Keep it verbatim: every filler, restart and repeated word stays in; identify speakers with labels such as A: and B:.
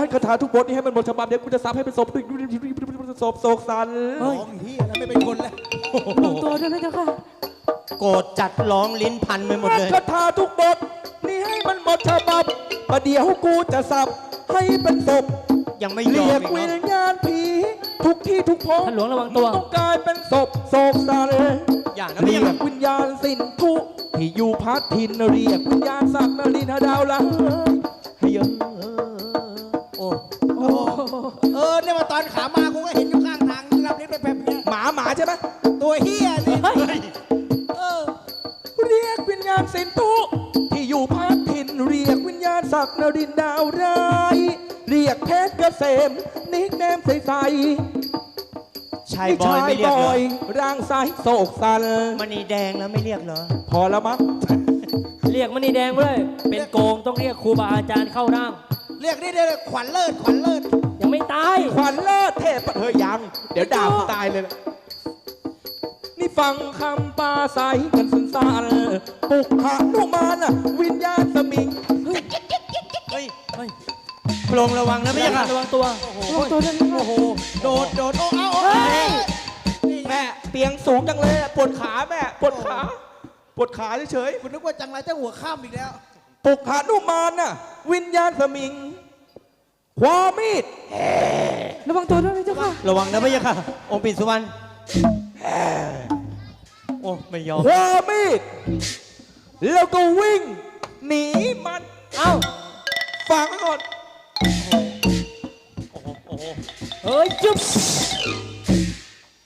A: คาถาทุกบทนี้ให้มันหมดฉบับเดี๋ยวกูจะซับให้เป็นศพศพโศกสัน
B: ร้องเฮียแล้วไม่เป็นคนแล้ว
C: ลงตัวด้วยนะเจ้าค่ะ
D: โกรธจัดร้องลิ้นพันไปหมดเลย
A: คาถาทุกบทนี่ให้มันหมดฉบับประเดี๋ยวกูจะสับให้เป็นศพ
D: ยังไม่ยอ
A: เรี
D: ม
A: ยก
D: อีก
A: วิ
D: เนาะ
A: ญญาณผีทุกที่ทุกพง
C: ท่านหลวงระวังตัว
A: ต้องกลายเป็นศพโศกสัน
D: อย่านะ
A: เรี
D: พี่
A: ยกวิญญาณสินทุที่อยู่พัดทินเรียกวิญญาณสักนรินดาวละให้เยอะ
D: โอ้
B: โอ้เออเนี่ยมาตอนขามากูก็เห็นอยู่ข้างทางรับลิ้นไปแบบเนี้ย
A: หมาหมาใช่ไหม
B: ตัวเฮียนี่
C: เฮ้ย
B: เออ
A: เรียกวิญญาณสินทุที่อยู่พัดทินเรียกวิญญาณสักนรินดาวร้ายเรียกเพชรเกษมนิกแนมใสๆ
D: ชายบอยไม่เรียก
A: บ
D: เหร
A: อ
D: อย
A: ร่างไซโศกสัน
D: มณีแดงแล้วไม่เรียกเหรอ
A: พอแล้วมั้ง
C: เรียกมณีแดงเลยเป็นโกงต้องเรียกครูบาอาจารย์เข้าร่าง
B: เรียกนี่เดี๋ยวขวัญเลิศขวัญเลิศ
C: ยังไม่ตาย
A: ขวัญเลิศเทพเฮ้ยยัง เดี๋ยวด่ากูตายเลยนะนี่ฟังคำปาใสกันสันสานๆปุกหานุมานน่ะวิญญาณสมิง
D: เฮ้ย
C: เฮ้ย
D: โปรงระวังนะพี่ค่ะ
C: ระวังตัวระวังตัวด้วยนะ
B: โอ้โหโดดโดดโอ้เอาโอ้
C: เฮ้ย
B: นี่ไง
A: แม่เตียงสูงจังเลยอะปวดขาแม่ปวดขาปวดขาเฉย
B: คุณนึกว่าจังไรเจ้าหัวข้ามอีกแล้ว
A: ๆปุกหานุมานน่ะวิญญาณสมิงความมีด
C: ระวังตัวด้วยนะเจ้าค่ะ
D: ระวังนะพี่ค่ะ องค์ปิ่นสุวรรณโอ้ไม่ยอม
A: ความมีดแล้วก็วิ่งหนีมัน
C: เอ้า
A: ฟังก่อน
D: โอ้โหโอ้โห
C: เฮ้ยจุ๊บ